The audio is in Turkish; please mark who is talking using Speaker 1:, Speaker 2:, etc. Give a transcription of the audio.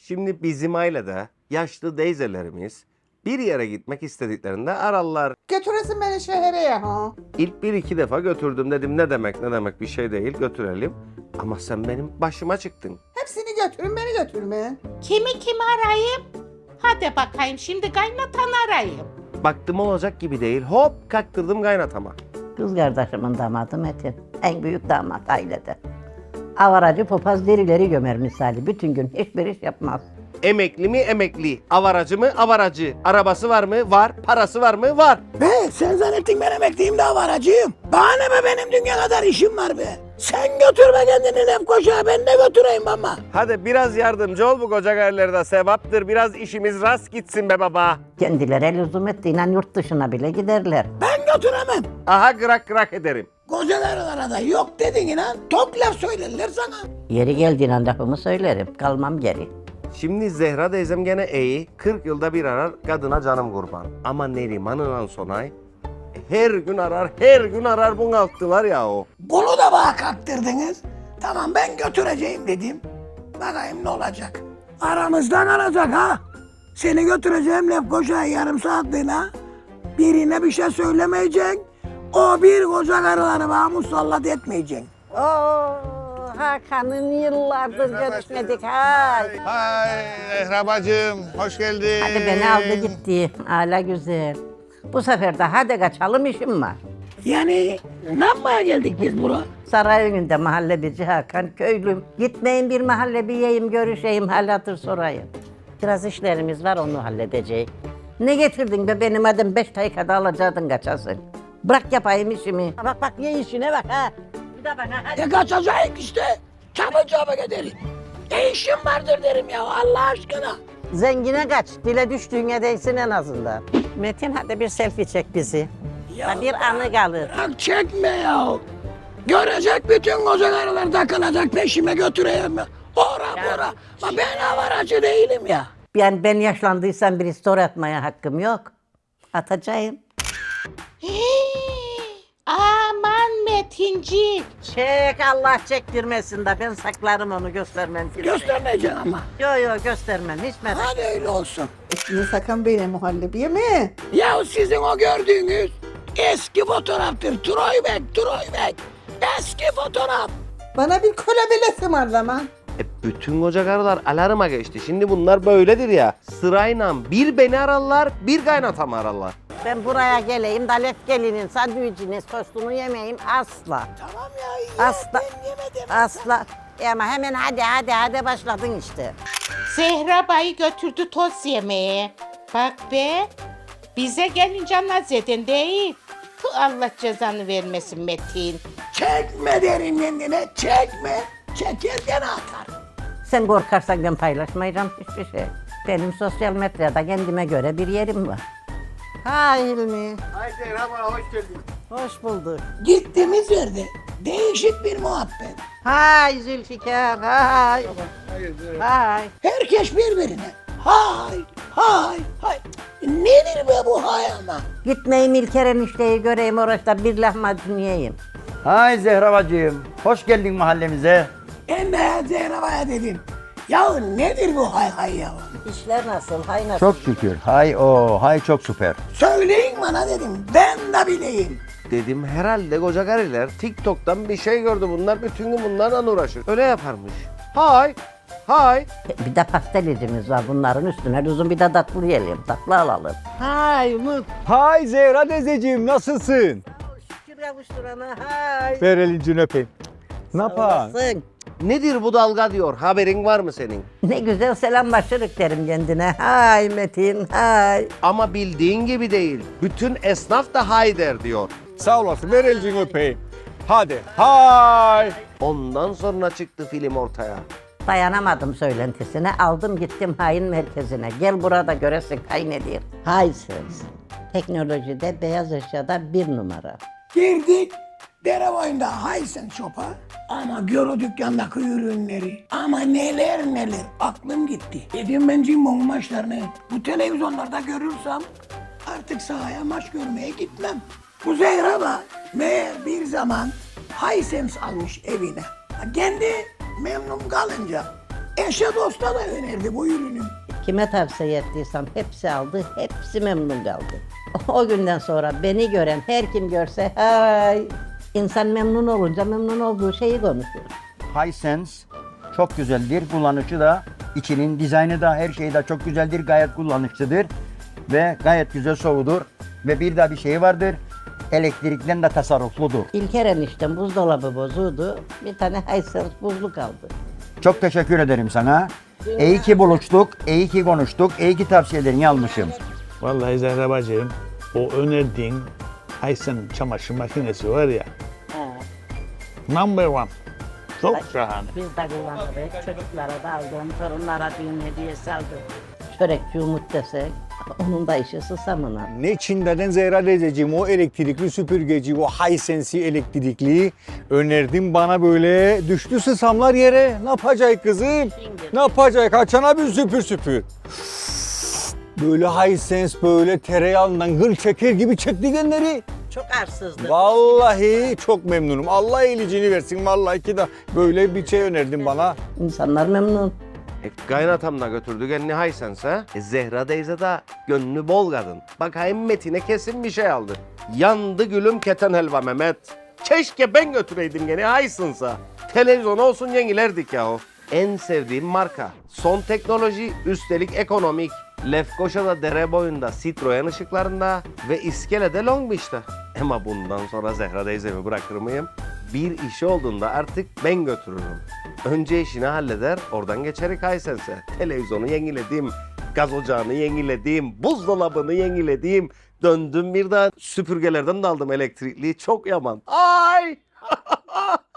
Speaker 1: Şimdi bizim ailede yaşlı teyzelerimiz bir yere gitmek istediklerinde ararlar.
Speaker 2: Götüresin beni şehre ya ha.
Speaker 1: İlk bir iki defa götürdüm, dedim ne demek bir şey değil, götürelim. Ama sen benim başıma çıktın.
Speaker 2: Hepsini götürün, beni götürme.
Speaker 3: Kimi arayayım? Hadi bakayım şimdi kaynatan arayayım.
Speaker 1: Baktım olacak gibi değil, hop kaktırdım kaynatama.
Speaker 4: Kız kardeşimin damadı Metin. En büyük damat ailede. Avaracı popaz derileri gömer misali. Bütün gün hiçbir iş yapmaz.
Speaker 1: Emekli mi emekli, avaracı mı avaracı, arabası var mı var, parası var mı var.
Speaker 5: Be sen zannettin ben emekliyim de avaracıyım. Bana ne be, benim dünya kadar işim var be. Sen götürme kendini Lefkoşa, ben de götüreyim ama.
Speaker 1: Hadi biraz yardımcı ol bu koca gayrılarda, sevaptır, biraz işimiz rast gitsin be baba.
Speaker 4: Kendileri lüzum ettiğiyle yurt dışına bile giderler.
Speaker 5: Ben götüremem.
Speaker 1: Aha gırak ederim.
Speaker 5: Kocalarına da yok dedin inan, tok laf söylerler sana.
Speaker 4: Yeri geldiğinde lafımı söylerim. Kalmam geri.
Speaker 1: Şimdi Zehra teyzem gene iyi, 40 yılda bir arar, kadına canım kurban. Ama Neriman'la Sonay her gün arar bunalttılar ya o.
Speaker 5: Bunu da bana kaktırdınız. Tamam ben götüreceğim dedim. Bakayım ne olacak. Aramızdan alacak ha. Seni götüreceğim Lefkoşa'ya yarım saatliğine. Birine bir şey söylemeyeceksin. O bir koca karıları bana musallat etmeyeceksin.
Speaker 4: Hakan'ın yıllardır görüşmedik. Hay.
Speaker 6: Hay Zehra bacım, hoş geldin.
Speaker 4: Hadi beni aldı gitti. Hala güzel. Bu sefer de hadi kaçalım, işim var.
Speaker 5: Yani ne yapmaya geldik biz buraya?
Speaker 4: Saray önünde mahalleci Hakan, köylüm. Gitmeyin bir mahalle yiyeyim, görüşeyim, hal hatır sorayım. Biraz işlerimiz var, onu halledeceğiz. Ne getirdin be benim adım, 5 dakikada alacaktın kaçasın. Bırak yapayım işimi. Bak ye işine bak ha. Bir de bana hadi.
Speaker 5: Ne kaçacak işte. Çabuk ederim. Ne işim vardır derim ya Allah aşkına.
Speaker 4: Zengine kaç, dile düştüğüne değsin en azından. Metin hadi bir selfie çek bizi.
Speaker 5: Ya
Speaker 4: Bir anı kalır.
Speaker 5: bırak çekme ya. Görecek bütün koca karılar takılacak peşime götüreyim mi? Ora. Ama ben avaracı değilim ya.
Speaker 4: Ben yaşlandıysam bir story atmaya hakkım yok. Atacağım.
Speaker 3: Aman Metincik.
Speaker 4: Çek Allah çektirmesin de ben saklarım onu, göstermem.
Speaker 5: Göstermeyeceksin ama.
Speaker 4: Yo göstermem, hiç merak etme.
Speaker 5: Hadi öyle olsun.
Speaker 2: Üstüne sakın beni muhallebiye mi?
Speaker 5: Ya sizin o gördüğünüz eski fotoğraftır. Troy Bey. Eski fotoğraf.
Speaker 2: Bana bir kola bile ısmarlama.
Speaker 1: Bütün koca karılar alarma geçti. Şimdi bunlar böyledir ya. Sırayla bir beni ararlar, bir kaynatamı ararlar.
Speaker 4: Ben buraya geleyim de Lef gelinin sandviçini, sosunu yemeyeyim asla.
Speaker 5: Tamam ya.
Speaker 4: Asla.
Speaker 5: Ben yemedim.
Speaker 4: Asla. Ama hemen hadi başladın işte.
Speaker 3: Zehra Bay'ı götürdü toz yemeye. Bak be. Bize gelince naz edin değil. Allah cezanı vermesin Metin.
Speaker 5: Çekme derim kendine. Çekme. Çekerken atar.
Speaker 4: Sen korkarsan ben paylaşmayacağım hiçbir şey. Benim sosyal medyada kendime göre bir yerim var. Hay Hilmi.
Speaker 6: Hay Zehra bana hoş geldin.
Speaker 4: Hoş bulduk.
Speaker 5: Gittiğimiz yerde değişik bir muhabbet.
Speaker 4: Hay Zülfikar, hay. Hay.
Speaker 5: Herkes birbirine. Hay. Nedir be bu hay ama?
Speaker 4: Gitmeyeyim İlker enişteyi göreyim, orada bir lahmacun yiyeyim.
Speaker 7: Hay Zehra bacım, hoş geldin mahallemize.
Speaker 5: Ben de Zehra'ya dedim. Ya nedir bu hay ya?
Speaker 4: İşler nasıl, hay nasıl?
Speaker 7: Çok şükür. Hay çok süper.
Speaker 5: Söyleyin bana dedim. Ben de bileyim.
Speaker 1: Dedim herhalde koca karılar TikTok'tan bir şey gördü, bunlar bütün gün bunlarla uğraşır. Öyle yaparmış. Hay.
Speaker 4: Bir de pastelicimiz var, bunların üstüne lüzum bir de tatlı yiyelim, tatlı alalım. Hay Umut.
Speaker 8: Hay Zehra teyzeciğim, nasılsın?
Speaker 4: Şükür kavuşturana, hay.
Speaker 8: Ver elincini öpeyim. Ne yapan?
Speaker 4: Olasın.
Speaker 1: Nedir bu dalga diyor, haberin var mı senin?
Speaker 4: Ne güzel selamlaşırık derim kendine. Hay Metin, hay.
Speaker 1: Ama bildiğin gibi değil. Bütün esnaf da hay der diyor.
Speaker 8: Sağ olasın, ver elincini öpeyim. Hadi, hay.
Speaker 1: Ondan sonra çıktı film ortaya.
Speaker 4: Dayanamadım söylentisine, aldım gittim hain merkezine. Gel burada göresin hay nedir. Haysız. Teknolojide beyaz eşyada 1 numara.
Speaker 5: Girdik. Dere boyunda Hisense Shop'a. Ama gör o dükkandaki ürünleri. Ama neler aklım gitti. Dedim ben cimbom maçlarını bu televizyonlarda görürsem artık sahaya maç görmeye gitmem. Bu Zehra da meğer bir zaman Hisense almış evine. Kendi memnun kalınca Eşe dosta da önerdi bu ürünü.
Speaker 4: Kime tavsiye ettiysem hepsi aldı, hepsi memnun kaldı. O günden sonra beni gören her kim görse hay, insan memnun olunca memnun olduğu şeyi konuşuyor.
Speaker 7: Hisense çok güzeldir. Kullanıcı da, içinin dizaynı da, her şeyi de çok güzeldir. Gayet kullanışlıdır ve gayet güzel soğudur. Ve bir daha bir şey vardır. Elektrikten de tasarrufludur.
Speaker 4: İlker eniştem buzdolabı bozuldu, bir tane Hisense buzluk aldı.
Speaker 7: Çok teşekkür ederim sana. İyi ki buluştuk, iyi ki konuştuk, iyi ki tavsiyelerini almışım.
Speaker 6: Vallahi Zehra bacım, o önerdiğin Hisense çamaşır makinesi var ya, number one. Çok şahane.
Speaker 4: Biz de kullanırız, çocuklara da aldım, torunlara düğün hediyesi aldım. Çörekçi Umut desek, onun da işi susamına.
Speaker 8: Ne Çin'den Zehra teyzeciğim o elektrikli süpürgeci, o Hisense elektrikli önerdim bana böyle düştü sısamlar yere. Ne yapacak kızım? Ne yapacak? Açana bir süpür süpür. Böyle Hisense böyle tereyağından gıl çeker gibi çekti genleri.
Speaker 4: Çok arsızdı.
Speaker 8: Vallahi çok memnunum. Allah iyiliğini versin vallahi ki de böyle bir şey önerdin bana.
Speaker 4: İnsanlar memnun.
Speaker 1: Kaynatam da götürdü kendini Hisense'e. Zehra teyze de gönlü bol kadın. Bakayım Metin'e kesin bir şey aldı. Yandı gülüm keten helva Mehmet. Keşke ben götüreydim gene Hisense'a. Televizyon olsun yenilerdik yahu. En sevdiğim marka. Son teknoloji, üstelik ekonomik. Lefkoşa'da dere boyunda Citroen ışıklarında ve İskele'de Long Beach'te. Ama bundan sonra Zehra teyzemi bırakır mıyım? Bir işi olduğunda artık ben götürürüm. Önce işini halleder, oradan geçerik Hisense'e. Televizyonu yeniledim, gaz ocağını yeniledim, buzdolabını yeniledim. Döndüm bir daha süpürgelerden de aldım elektrikliği. Çok yaman. Ay!